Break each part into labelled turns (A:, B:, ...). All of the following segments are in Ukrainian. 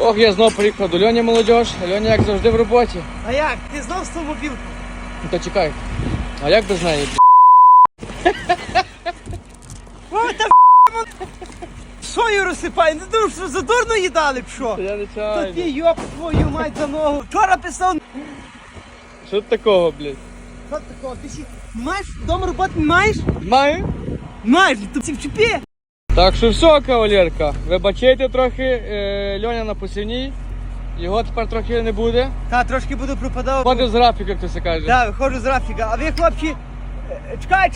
A: Ох, я знов приїхав до Льоні, молодіж. Льоня, як завжди, в роботі.
B: А як? Ти знов з ту мобілку?
A: Ну то чекай. А як без неї?
B: О, та сою розсипай, не думав, що задурно їдали б що?
A: Я не
B: Та
A: чаю.
B: ти йоп твою мать за ногу. Вчора писав.
A: Що тут такого, блядь?
B: Що такого? Ти ще маєш вдома роботи не маєш?
A: Маю.
B: Маєш, то всі вчепі.
A: Так що все, кавалерка. Вибачайте трохи, Льоня на посівній. Його тепер трохи не буде.
B: Та, трошки буду пропадав.
A: Ходив з графіка, як то все каже.
B: Так, виходжу з Рафіка. А ви, хлопці, чекай.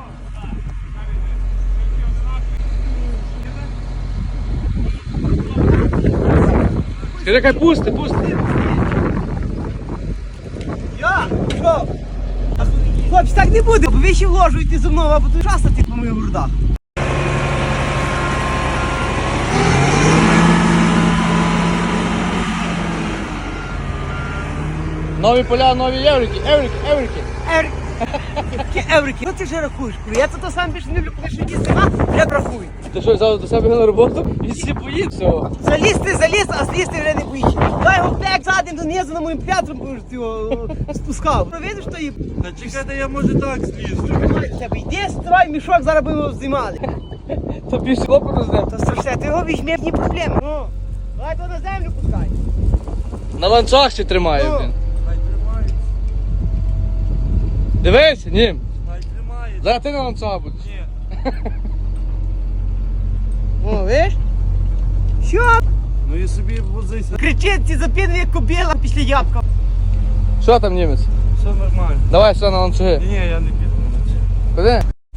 A: Скажи, хай пусти.
B: Я? Що? Хлопці, так не буде, бо ви ще вложуєте зі мною, або тут шастати по моїх грудах.
A: Нові поля, нові єврики.
B: Еврики. Ну ти вже рахуєш, коли я то сам більше не люблю, коли що їсти, я рахую.
A: Ти що, взяв до себе на роботу? Він всі боїть цього.
B: Заліз, а злізти вже не боїться. Дай його плек заднім донизу на моїм п'ятром, будеш ти його спускав. Ну видиш, що їм?
C: Та чекайте, я може так злізу.
B: Йди, строй мішок, зараз будемо його знімали.
A: То більше хлопоту з ним.
B: Та страшне, ти його візьми, ні проблеми. Ну, давай то на землю пускай.
A: На ланцах ще тримає,
B: Ну.
A: блін.
C: Хай тримається,
A: Дивись, ні.
C: хай тримається.
A: Зараз ти на ланцах будеш.
C: Ні.
B: О, видиш? Що?
C: Ну і собі возися.
B: Кричить, ці запінує як кобила після ябка.
A: Що там, німець?
C: Все нормально.
A: Давай все на ланцюги.
C: Ні, я не піду на це.
A: Куди?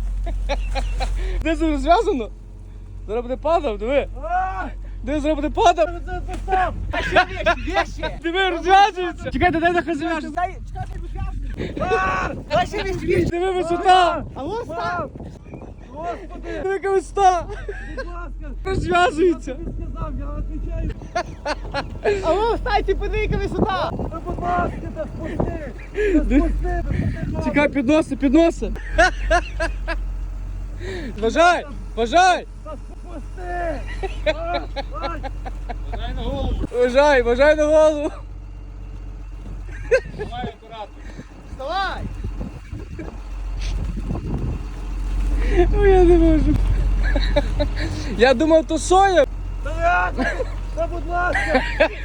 A: Де це розв'язано? Зараз буде падав, диви. Диви, зараз буде падав.
B: А що вещі?
A: Диви, розв'язується. Чекайте, дай нахай зав'яже.
B: Дай, чекай, ти вишляшки. Дай ще вещі.
A: Диви, висота.
B: А ось став.
C: Господи,
A: Диви, яка висота.
C: будь ласка.
A: Розв'язується.
C: Я тобі сказав, я відповідаю.
B: А ось стай, ти подивись, яка висота.
C: Та будь ласка, та спусти. Та спусти.
A: Чекай, підноси. Бажай.
C: Та спусти.
A: Бажай на голову.
B: Вставай.
A: Ой, я не можу. Я думав, то соя.
C: Та будь ласка.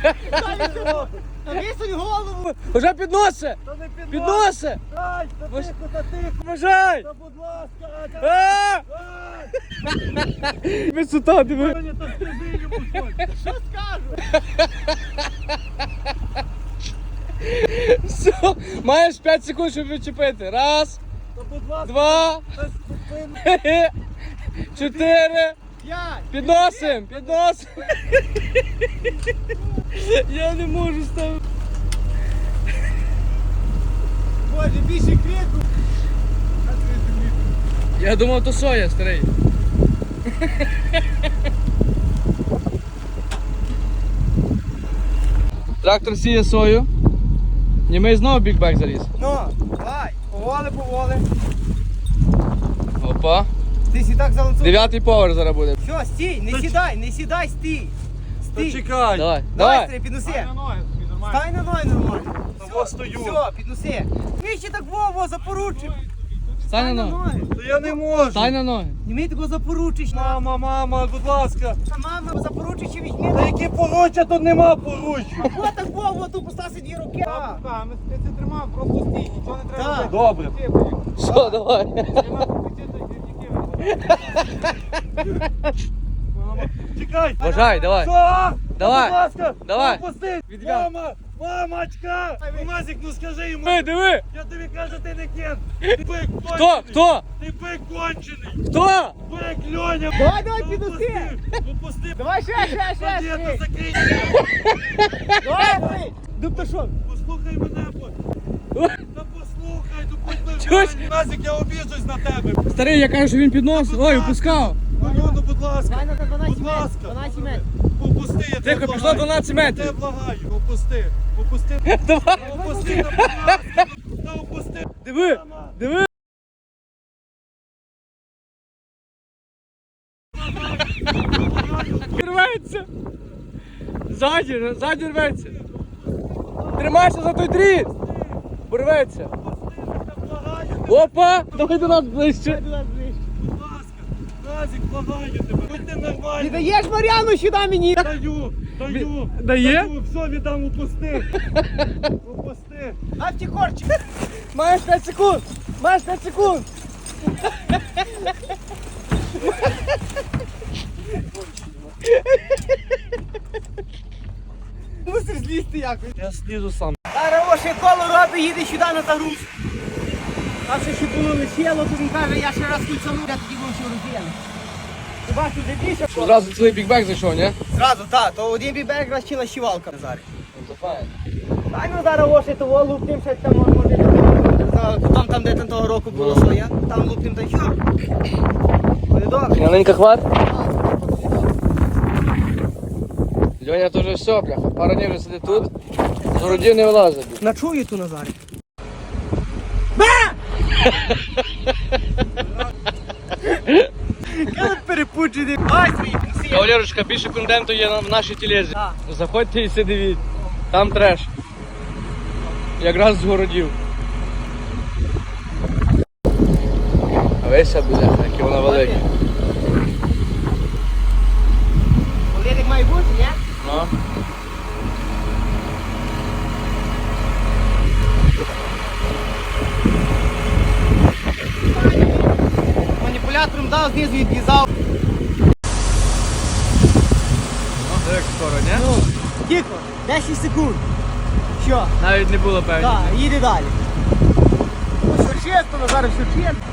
B: Та висунь голову.
A: Вже підноси.
C: Та не
A: Підноси.
C: Ай, та тихо, та тихо.
A: Бажай.
C: Та будь ласка.
A: А!
C: Ай.
A: Висота, диви.
C: Мені та скажи йому щось.
B: Що скажу?
A: Все, маєш 5 секунд, щоб відчепити. Раз,
C: Та будь ласка.
A: два,
C: Та спокійно.
A: 4.
B: П'ять.
A: Підносим. Я не можу ставити.
B: Боже, більше крику.
A: Я думав, то соя, старий. Трактор сіє сою. Німей знову бікбек заліз.
B: Ну, давай. Поволи.
A: Опа.
B: Ти сі так заланцюв.
A: 9-й поверх зараз буде.
B: Все, стій, не сідай, стій.
C: Та
B: Стій.
C: чекай.
A: Давай.
B: Давай, стрій, підноси.
C: На ноги собі нормально.
B: Стай на ноги нормально.
C: Та стою.
B: Все, підноси. Ми ще так Вова запоручив.
A: Стань на ноги.
C: Та я не можу.
A: Стань на ноги.
B: Не ми такого запоручиш.
C: Мама, будь ласка.
B: Та мама запоручиш і
C: Та
B: візьми.
C: які поруччя, тут нема поруччя.
B: О, так Вова, тут постався 2 руки.
C: Ми це тримав, просто стій, нічого не
B: треба робити.
C: Добре.
A: Що, давай.
C: Мама, чекай.
A: Бажай, давай.
C: Що?
A: Давай.
C: Будь ласка.
A: Давай.
C: Відпусти.
A: Відв'яз.
C: Мамочка. Мамазик, ну скажи йому.
A: Диви.
C: Я тобі кажу, ти не кент. Ти бик
A: Хто?
C: кончений. Ти бик кончений.
A: Хто?
C: Бик, Льоня.
B: Давай, підноси.
C: Попусти.
B: Давай ще.
C: Дієта, закрий.
B: Давай. Дуб що?
C: Послухай мене, та послухай, ну будь
A: Чусь?
C: нормальний. Назик, я обіжусь на тебе.
A: Старий, я кажу, що він підносив. Ой, опускав.
C: Ну, будь ласка.
B: Давай на 12
C: Будь ласка.
B: 12 метрів.
C: Попусти, я тебе
A: Тихо, пішло
C: благаю.
A: 12
C: Я
A: метрів.
C: тебе благаю. Попусти.
A: Давай.
C: Попусти, та будь ласка. Та опусти.
A: Диви.
C: Мама.
A: Диви. Рветься. Ззаді рветься. Тримайся за той дріт. Порветься. Опа! Давай до нас ближче.
C: Будь ласка, Назік, благаю тебе. Будь ти
B: Ти
C: нормально.
B: даєш Мар'яну сюди мені?
C: Даю.
A: Дає?
C: Даю, все, віддам, упусти. Упусти.
B: А ті корчик.
A: Маєш 5 секунд. Маєш 5 секунд.
B: Мусиш злізти якось.
A: Я слізу сам.
B: Зараз оше коло робить, їде сюди на загруз. А ще було лишило, то він каже, я ще раз кільцану, я тоді був ще роздіяли. Ти бачиш, де більше?
A: Одразу цілий бікбек зайшов, ні?
B: Зразу, так, то один бібек раз чи лащівалка зараз.
A: Це файно.
B: Ай, ну зараз оше того луптим, ще там може. Потім там, де там того року було своє, там луптим та що. Буде добре.
A: Маленька хват. Льоня теж все, бляха. Пару днів вже сидить тут. З городів не вилазить.
B: Начую ту Назарі. Коли перепуджений. Ай, свої пенсії.
A: Кавалерочка, більше контенту є в нашій телезі.
B: Так.
A: Заходьте і все дивіть. Там треш. Якраз з городів. А вися буде, яке вона велике.
B: Олєдик має бути, ні?
A: Ну.
B: Маніпулятором дав, знизу відв'язав.
A: Ну, як скоро, ні?
B: Ну, тихо, 10 секунд. Що?
A: Навіть не було певні.
B: Так, їде далі. Ну, все чесно, Назар, все чесно.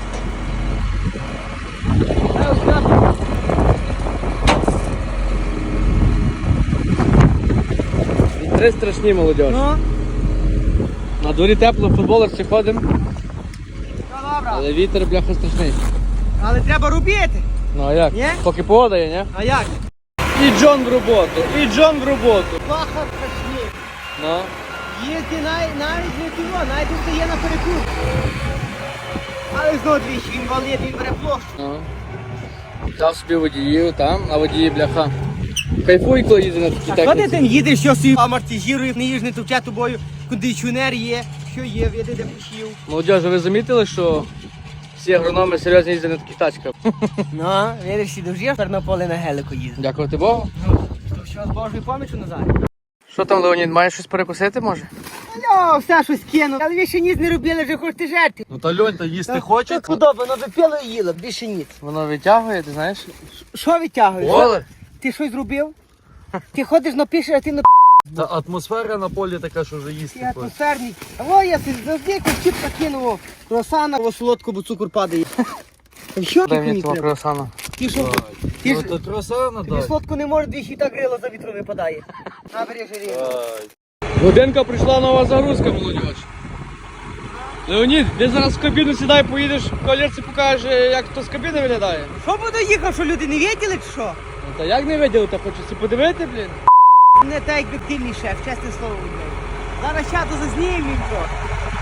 A: Вітри страшні, молодь.
B: Ну,
A: На дворі тепло, в футболерці ходимо,
B: ну добре.
A: але вітер, бляха, страшний.
B: Але треба робити.
A: Ну а як?
B: Ні?
A: Поки погода є, ні?
B: А як?
A: І Джон в роботу, і Джон в роботу.
B: Плаха страшні.
A: Ну.
B: Їздить навіть не тіло, навіть тут є на перекур. Але знову двічі, він валить, він бере площу.
A: Ну. Взяв собі водіїв там, а водії, бляха. Кайфуй, коли їде на такій
B: А коли ти
A: техніці.
B: там їдеш, що собі амортизує, не їж, не товче тобою, кондиціонер є, що є, види де пішів.
A: Молодіж, ви замітили, що всі агрономи серйозно їздять на таких тачках?
B: Ну, видиш, сі довжив, тепер на поле на гелику їздить.
A: Дякувати Богу.
B: Ну, то що з Божою помічю Назарі?
A: Що там, Леонід, маєш щось перекусити, може?
B: Ну, все щось кинув. Але ви ще ніц не робили, вже хочете жерти.
C: Ну та Льонь, та їсти хоче?
B: Так подобно, випило і їло, більше ніц.
A: Воно витягує, ти знаєш?
B: Що витягуєш?
A: Оле.
B: Ти щось зробив? Ти ходиш напишеш, а ти на
C: Та атмосфера на полі така, що вже їсти
B: ти
C: хоче.
B: атмосферник. О, я собі завжди якусь чіпка кинув. Кросана, о, солодко, бо цукор падає. Та що
A: Дай
B: ти
A: мені
B: мені
A: того
B: треба?
A: круасана.
B: Ти що? Ти
C: Ну
B: ж
C: то кросана
B: тобі
C: дай.
B: солодко не може, двічі так грило за вітром випадає. Набери жирі.
A: Годинка прийшла нова загрузка, молодіж. Леонід, ти зараз в кабіну сідай, поїдеш, колірці покаже, як то з кабіни виглядає.
B: Що буду їхав, що люди не виділи чи що?
A: Ну та як не виділи, та хочеться подивити, блін.
B: Не так, як дитильний шеф, чесне слово. блядь. Зараз чату зазнімемо він трохи.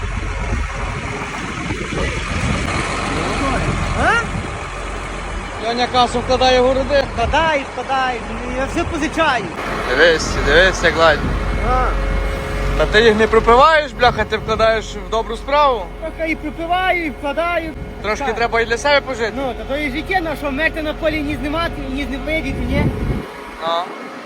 B: А?
A: Льоня касу вкладає в городи.
B: Вкладай, я все позичаю.
A: Дивись, як ладно.
B: А.
A: Та ти їх не пропиваєш, бляха, ти вкладаєш в добру справу.
B: Трохи і припиваю, і вкладаю.
A: Трошки
B: Так.
A: треба і для себе пожити.
B: Ну, та то і життя, ну що, мерти на полі ні знімати, ні не видіти, ні?
A: Ну.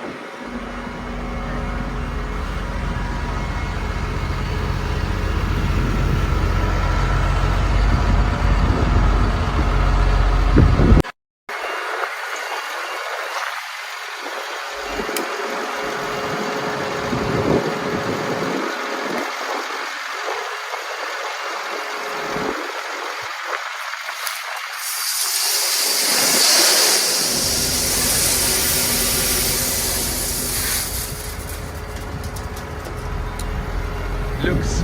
A: Люкс.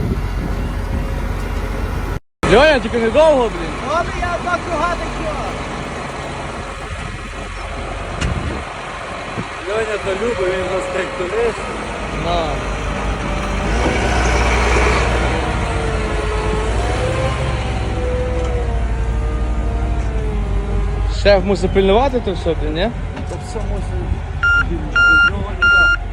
A: Льоня, тільки недовго, блін.
B: Добре, я два круга такі.
C: Льоня то любить, він у нас тракторист.
A: На. Шеф мусить пильнувати то все, блін, ні?
C: Це все мусить. Без нього не так.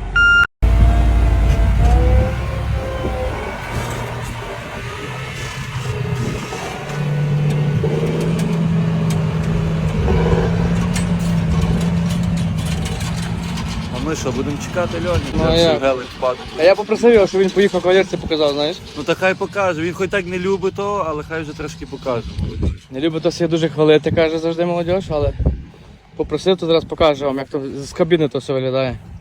C: ми що, будемо чекати Льоні?
A: Ну,
C: Як
A: як?
C: ще велик впаде.
A: А я попросив його, щоб він поїхав кавалерці показав, знаєш.
C: Ну та хай покаже, він хоч так не любить того, але хай вже трошки покаже.
A: Не любить то себе дуже хвалити, каже завжди молодь, але попросив, то зараз покажу вам, як то з кабіни то все виглядає.